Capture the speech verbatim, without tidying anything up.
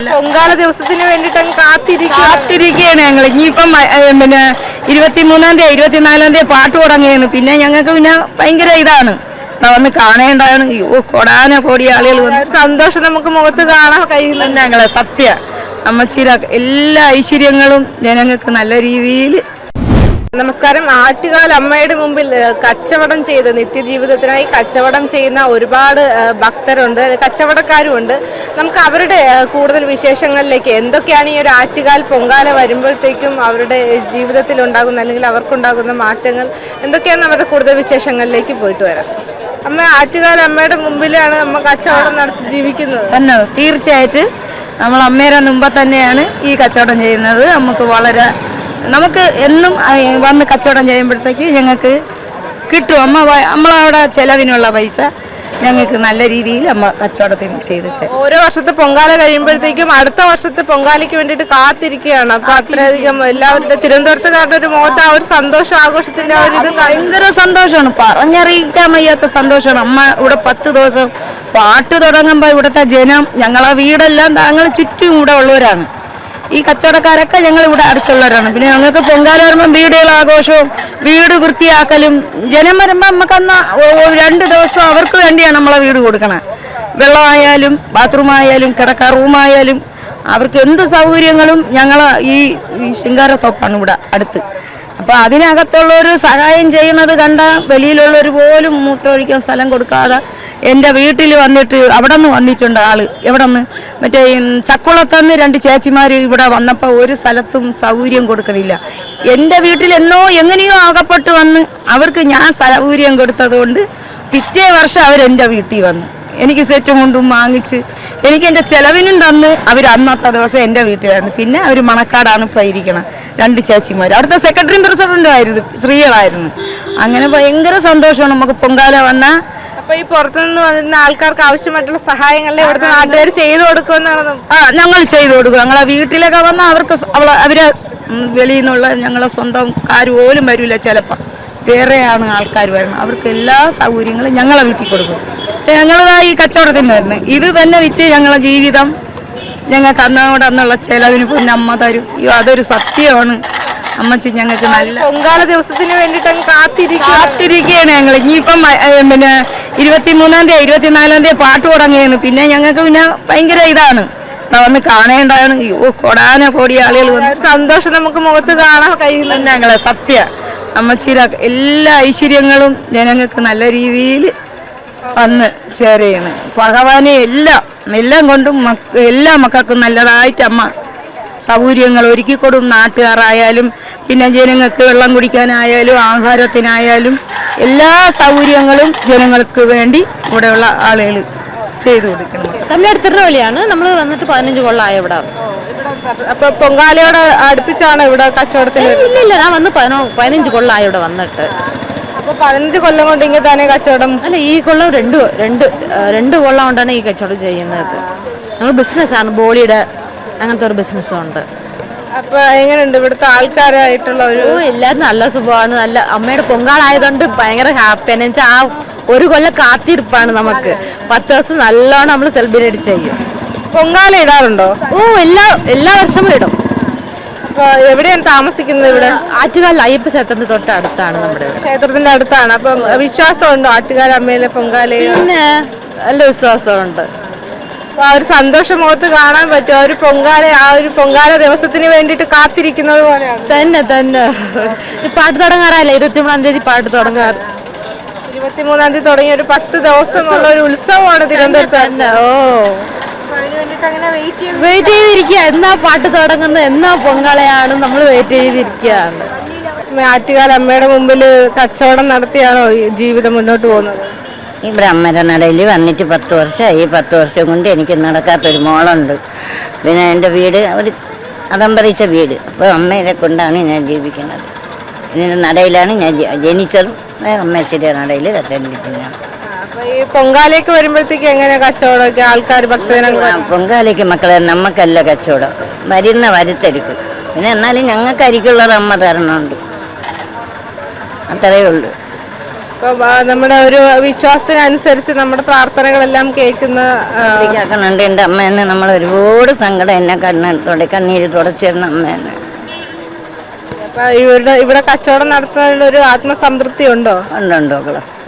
പൊങ്കാല ദിവസത്തിന് വേണ്ടിട്ട് കാത്തിരിക്കുകയാണ് ഞങ്ങൾ. ഇനിയിപ്പം പിന്നെ ഇരുപത്തിമൂന്നാം തീയതി ഇരുപത്തിനാലാം തീയതി പാട്ട് തുടങ്ങിയാണ്. പിന്നെ ഞങ്ങൾക്ക് പിന്നെ ഭയങ്കര ഇതാണ് വന്ന് കാണേണ്ടതാണ്. ഓ കൊടാന കോടി ആളുകൾ വന്ന് സന്തോഷം നമുക്ക് മുഖത്ത് കാണാൻ കഴിയുന്നുണ്ട്. ഞങ്ങളെ സത്യ അമ്മച്ചീര എല്ലാ ഐശ്വര്യങ്ങളും ജനങ്ങൾക്ക് നല്ല രീതിയിൽ. നമസ്കാരം. ആറ്റുകാൽ അമ്മയുടെ മുമ്പിൽ കച്ചവടം ചെയ്ത് നിത്യജീവിതത്തിനായി കച്ചവടം ചെയ്യുന്ന ഒരുപാട് ഭക്തരുണ്ട്, കച്ചവടക്കാരുമുണ്ട്. നമുക്ക് അവരുടെ കൂടുതൽ വിശേഷങ്ങളിലേക്ക്, എന്തൊക്കെയാണ് ഈ ഒരു ആറ്റുകാൽ പൊങ്കാല വരുമ്പോഴത്തേക്കും അവരുടെ ജീവിതത്തിൽ ഉണ്ടാകുന്ന അല്ലെങ്കിൽ അവർക്കുണ്ടാകുന്ന മാറ്റങ്ങൾ എന്തൊക്കെയാണ്, അവരുടെ കൂടുതൽ വിശേഷങ്ങളിലേക്ക് പോയിട്ട് വരാം. അമ്മ, ആറ്റുകാൽ അമ്മയുടെ മുമ്പിലാണ് അമ്മ കച്ചവടം നടത്തി ജീവിക്കുന്നത്. തന്നെ തീർച്ചയായിട്ടും നമ്മൾ അമ്മയുടെ മുമ്പ് തന്നെയാണ് ഈ കച്ചവടം ചെയ്യുന്നത്. നമുക്ക് വളരെ നമുക്ക് എന്നും വന്ന് കച്ചവടം ചെയ്യുമ്പോഴത്തേക്ക് ഞങ്ങൾക്ക് കിട്ടും. അമ്മ നമ്മളവിടെ ചിലവിനുള്ള പൈസ ഞങ്ങൾക്ക് നല്ല രീതിയിൽ അമ്മ കച്ചവടത്തിന് ചെയ്തിട്ട് ഓരോ വർഷത്തെ പൊങ്കാല കഴിയുമ്പോഴത്തേക്കും അടുത്ത വർഷത്തെ പൊങ്കാലയ്ക്ക് വേണ്ടിയിട്ട് കാത്തിരിക്കുകയാണ്. അപ്പൊ അത്രയധികം എല്ലാവരുടെ തിരുവനന്തപുരത്തുകാരുടെ ഒരു മുഖത്ത് ആ ഒരു സന്തോഷം, ആഘോഷത്തിന്റെ ആ ഒരു ഇത് ഭയങ്കര സന്തോഷമാണ്, പറഞ്ഞറിയിക്കാൻ വയ്യാത്ത സന്തോഷമാണ്. അമ്മ ഇവിടെ പത്ത് ദിവസം പാട്ട് തുടങ്ങുമ്പോൾ ഇവിടുത്തെ ജനം, ഞങ്ങളെ വീടെല്ലാം താങ്കൾ ചുറ്റും ഇവിടെ ഉള്ളവരാണ്. ഈ കച്ചവടക്കാരൊക്കെ ഞങ്ങൾ ഇവിടെ അടുത്തുള്ളവരാണ്. പിന്നെ ഞങ്ങൾക്ക് പൊങ്കാല വരുമ്പം വീടുകൾ ആഘോഷവും വീട് വൃത്തിയാക്കലും, ജനം വരുമ്പോൾ നമുക്ക് അന്ന് രണ്ട് ദിവസം അവർക്ക് വേണ്ടിയാണ് നമ്മളെ വീട് കൊടുക്കണം. വെള്ളമായാലും ബാത്റൂമായാലും കിടക്ക റൂമായാലും അവർക്ക് എന്ത് സൗകര്യങ്ങളും ഞങ്ങൾ ഈ ശിങ്കാരത്തോപ്പാണ് ഇവിടെ അടുത്ത്. അപ്പോൾ അതിനകത്തുള്ളൊരു സഹായം ചെയ്യുന്നത് കണ്ട വെളിയിലുള്ളവർ പോലും മൂത്രമൊഴിക്കാൻ സ്ഥലം കൊടുക്കാതെ എൻ്റെ വീട്ടിൽ വന്നിട്ട് അവിടെ നിന്ന് വന്നിട്ടുണ്ട് ആള്. എവിടെ നിന്ന് മറ്റേ ചക്കുളത്തുനിന്ന് രണ്ട് ചേച്ചിമാർ ഇവിടെ വന്നപ്പോൾ ഒരു സ്ഥലത്തും സൗകര്യം കൊടുക്കണില്ല. എൻ്റെ വീട്ടിൽ എന്നോ എങ്ങനെയോ ആകപ്പെട്ട് വന്ന് അവർക്ക് ഞാൻ സൗകര്യം കൊടുത്തത് കൊണ്ട് പിറ്റേ വർഷം അവരെൻ്റെ വീട്ടിൽ വന്ന് എനിക്ക് സെറ്റും കൊണ്ടും വാങ്ങിച്ച് എനിക്ക് എൻ്റെ ചിലവിനും തന്ന് അവർ അന്നത്തെ ദിവസം എൻ്റെ വീട്ടിലായിരുന്നു. പിന്നെ അവർ മണക്കാടാണ് ഇപ്പോൾ ഇരിക്കണം, രണ്ട് ചേച്ചിമാർ. അവിടുത്തെ സെക്രട്ടറിയും പ്രസിഡന്റും ആയിരുന്നു, സ്ത്രീകളായിരുന്നു. അങ്ങനെ ഭയങ്കര സന്തോഷമാണ് നമുക്ക് പൊങ്കാല വന്നാൽ. അപ്പൊ ഈ പുറത്തുനിന്ന് വന്നിരുന്ന ആൾക്കാർക്ക് ആവശ്യമായിട്ടുള്ള സഹായങ്ങളെ ഇവിടുത്തെ നാട്ടുകാർ ചെയ്തു കൊടുക്കുമെന്നാണ്. ആ, ഞങ്ങൾ ചെയ്തു കൊടുക്കും. ഞങ്ങളെ വീട്ടിലൊക്കെ വന്നാൽ അവർക്ക് അവളെ അവരെ വെളിയിൽ നിന്നുള്ള ഞങ്ങളെ സ്വന്തംകാർ പോലും വരില്ല, ചിലപ്പോൾ വേറെയാണ് ആൾക്കാർ വരുന്നത്. അവർക്ക് എല്ലാ സൗകര്യങ്ങളും ഞങ്ങളെ വീട്ടിൽ കൊടുക്കും. ഞങ്ങളതാ ഈ കച്ചവടത്തിന് വരുന്നത് ഇത് തന്നെ വിറ്റ് ഞങ്ങളെ ജീവിതം ഞങ്ങൾക്ക് അന്നോട് അന്നുള്ള ചിലവിന് പിന്നെ അമ്മ തരും. അതൊരു സത്യമാണ്. അമ്മച്ചി ഞങ്ങൾക്ക് നല്ല പൊങ്കാല ദിവസത്തിന് വേണ്ടിയിട്ട് കാത്തിരിക്കുകയാണ് ഞങ്ങൾ. ഇനിയിപ്പം പിന്നെ ഇരുപത്തിമൂന്നാം തീയതി ഇരുപത്തിനാലാം തീയതി പാട്ട് തുടങ്ങിയാണ്. പിന്നെ ഞങ്ങൾക്ക് പിന്നെ ഭയങ്കര ഇതാണ് വന്ന് കാണേണ്ടതാണ്. ഓ കൊടാന കോടി ആളുകൾ വന്ന് സന്തോഷം നമുക്ക് മുഖത്ത് കാണാൻ കഴിയുന്നുണ്ട്. ഞങ്ങളെ സത്യ അമ്മച്ചീര എല്ലാ ഐശ്വര്യങ്ങളും ജനങ്ങൾക്ക് നല്ല രീതിയിൽ വന്ന് ചേരുകയാണ്. ഭഗവാനെ എല്ലാം എല്ലാം കൊണ്ടും എല്ലാ മക്കൾക്കും നല്ലതായിട്ട് അമ്മ സൗകര്യങ്ങൾ ഒരുക്കി കൊടുക്കും. നാട്ടുകാരായാലും പിന്നെ ജനങ്ങൾക്ക് വെള്ളം കുടിക്കാനായാലും ആഹാരത്തിനായാലും എല്ലാ സൗകര്യങ്ങളും ജനങ്ങൾക്ക് വേണ്ടി ഇവിടെയുള്ള ആളുകൾ ചെയ്തു കൊടുക്കണം. തമിഴ്നാട് തിരുനെല്ലിയാണ് നമ്മൾ വന്നിട്ട് പതിനഞ്ച് കൊള്ളായ ഇവിടെ. അപ്പൊ പൊങ്കാലയോട് അടുപ്പിച്ചാണ് ഇവിടെ കച്ചവടത്തിന്? ഇല്ല ഇല്ല, ഞാൻ വന്ന് പതിനഞ്ച് കൊള്ളായ ഇവിടെ വന്നിട്ട്. അപ്പൊ പതിനഞ്ച് കൊല്ലം കൊണ്ട് ഇങ്ങനെ തന്നെ കച്ചവടം? അല്ല, ഈ കൊല്ലം രണ്ട് രണ്ട് രണ്ട് കൊല്ലം കൊണ്ടാണ് ഈ കച്ചവടം ചെയ്യുന്നത്. ഞങ്ങൾ ബിസിനസ്സാണ്, ബോളിയുടെ അങ്ങനത്തെ ഒരു ബിസിനസ്സുണ്ട്. അപ്പൊ എങ്ങനെയുണ്ട് ഇവിടുത്തെ ആൾക്കാരായിട്ടുള്ള ഒരു? എല്ലാവരും നല്ല സുഖമാണ്. നല്ല അമ്മയുടെ പൊങ്കാളായതുകൊണ്ട് ഭയങ്കര ഹാപ്പിയാണ്. വെച്ചാൽ ആ ഒരു കൊല്ലം കാത്തിരിപ്പാണ് നമുക്ക്. പത്ത് ദിവസം നല്ലോണം നമ്മൾ സെലിബ്രേറ്റ് ചെയ്യും. പൊങ്കാല ഇടാറുണ്ടോ? ഓ, എല്ലാ എല്ലാ വർഷവും ഇടും. അപ്പൊ എവിടെയാണ് താമസിക്കുന്നത്? ഇവിടെ ആറ്റുകാൽ അയ്യപ്പ ക്ഷേത്രത്തിന്റെ തൊട്ട് അടുത്താണ് നമ്മുടെ ക്ഷേത്രത്തിന്റെ അടുത്താണ്. അപ്പൊ വിശ്വാസമുണ്ടോ ആറ്റുകാൽ അമ്മയിലെ പൊങ്കാല? പിന്നെ നല്ല വിശ്വാസമുണ്ട്. അപ്പൊ ആ ഒരു സന്തോഷം മുഖത്ത് കാണാൻ പറ്റും. ആ ഒരു പൊങ്കാല ആ ഒരു പൊങ്കാല ദിവസത്തിന് വേണ്ടിയിട്ട് കാത്തിരിക്കുന്നത് പോലെയാണ്. തന്നെ തന്നെ പാട്ട് തുടങ്ങാറല്ലേ? ഇരുപത്തിമൂന്നാം തീയതി പാട്ട് തുടങ്ങാറ്. ഇരുപത്തിമൂന്നാം തീയതി തുടങ്ങിയ ഒരു പത്ത് ദിവസമുള്ള ഒരു ഉത്സവമാണ് തിരുവനന്തപുരത്ത് തന്നെ. ഓ, വെയിറ്റ് ചെയ്തിരിക്കുക. എന്നാ പാട്ട് തുടങ്ങുന്നത്, എന്നാ പൊങ്കാലയാണ്, നമ്മൾ വെയിറ്റ് ചെയ്തിരിക്കുകയാണ്. ആറ്റുകാൽ അമ്മയുടെ മുമ്പിൽ കച്ചവടം നടത്തിയാണോ ജീവിതം മുന്നോട്ട് പോകുന്നത്? ഈ ബ്രഹ്മര നടയിൽ വന്നിട്ട് പത്ത് വർഷമായി. പത്ത് വർഷം കൊണ്ട് എനിക്ക് നടക്കാത്തൊരു മോളുണ്ട്. പിന്നെ എൻ്റെ വീട് ഒരു അതമ്പറിച്ച വീട്. അപ്പോൾ അമ്മയെ കൊണ്ടാണ് ഞാൻ ജീവിക്കുന്നത്. ഇതിൻ്റെ നടയിലാണ് ഞാൻ ജനിച്ചതും. അമ്മച്ചിൻ്റെ നടയിൽ രത്തിരിക്കുന്നതാണ്. ഈ പൊങ്കാലയ്ക്ക് വരുമ്പോഴത്തേക്ക് എങ്ങനെ കച്ചവടമൊക്കെ ആൾക്കാർ ഭക്തജനങ്ങൾ? പൊങ്കാലയ്ക്ക് മക്കളെ നമുക്കല്ല കച്ചവടം, വരുന്ന വരുത്തരിക്കും. പിന്നെ എന്നാലും ഞങ്ങൾക്ക് അരിക്കുള്ളത് അമ്മ തരണമുണ്ട്, അത്രയേ ഉള്ളൂ. അപ്പം ആ, നമ്മുടെ ഒരു വിശ്വാസത്തിനനുസരിച്ച് നമ്മുടെ പ്രാർത്ഥനകളെല്ലാം കേൾക്കുന്ന ആ, കേൾക്കുന്നുണ്ട്. എൻ്റെ അമ്മേനെ നമ്മൾ ഒരുപാട് സങ്കടം എന്നെ കണ്ണോടെ കണ്ണീര് തുടച്ചിരുന്ന അമ്മേനെ. അപ്പൊ ഇവരുടെ ഇവിടെ കച്ചവടം നടത്തുന്നതിൽ ഒരു ആത്മസംതൃപ്തി ഉണ്ടോ? ഉണ്ടുണ്ടോ മക്കളെ?